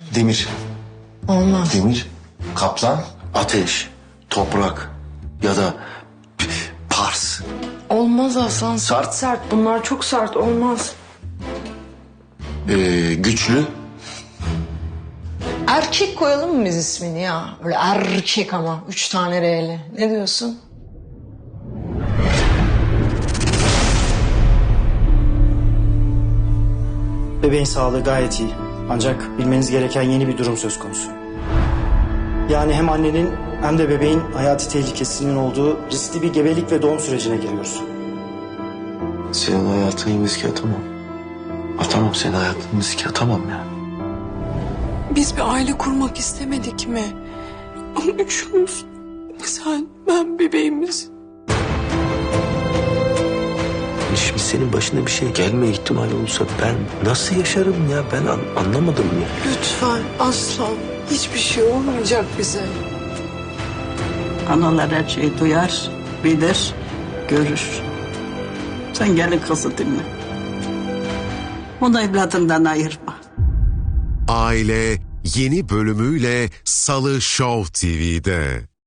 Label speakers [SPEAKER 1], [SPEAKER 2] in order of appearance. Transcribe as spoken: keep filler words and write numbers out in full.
[SPEAKER 1] Demir.
[SPEAKER 2] Olmaz.
[SPEAKER 1] Demir. Kaplan.
[SPEAKER 3] Ateş, toprak ya da Pars.
[SPEAKER 2] Olmaz Hasan.
[SPEAKER 3] Sert.
[SPEAKER 2] Sert sert. Bunlar çok sert. Olmaz.
[SPEAKER 3] Ee, güçlü.
[SPEAKER 2] Erkek koyalım mı biz ismini ya? Öyle erkek ama. Üç tane R'li. Ne diyorsun?
[SPEAKER 4] Bebeğin sağlığı gayet iyi. Ancak bilmeniz gereken yeni bir durum söz konusu. Yani hem annenin hem de bebeğin hayati tehlikesinin olduğu riskli bir gebelik ve doğum sürecine giriyoruz.
[SPEAKER 3] Senin hayatını riske atamam. Atamam, senin hayatını riske atamam ya.
[SPEAKER 5] Biz bir aile kurmak istemedik mi? Ama üçümüz. Sen, ben, bebeğimiz.
[SPEAKER 3] Şimdi senin başına bir şey gelme ihtimali olursa ben nasıl yaşarım ya? Ben an- anlamadım ya.
[SPEAKER 5] Lütfen aslan. Hiçbir şey olmayacak bize.
[SPEAKER 6] Analar her şeyi duyar, bilir, görür. Sen gelin kızı dinle. Onu evladından ayırma.
[SPEAKER 7] Aile yeni bölümüyle Salı Show T V'de.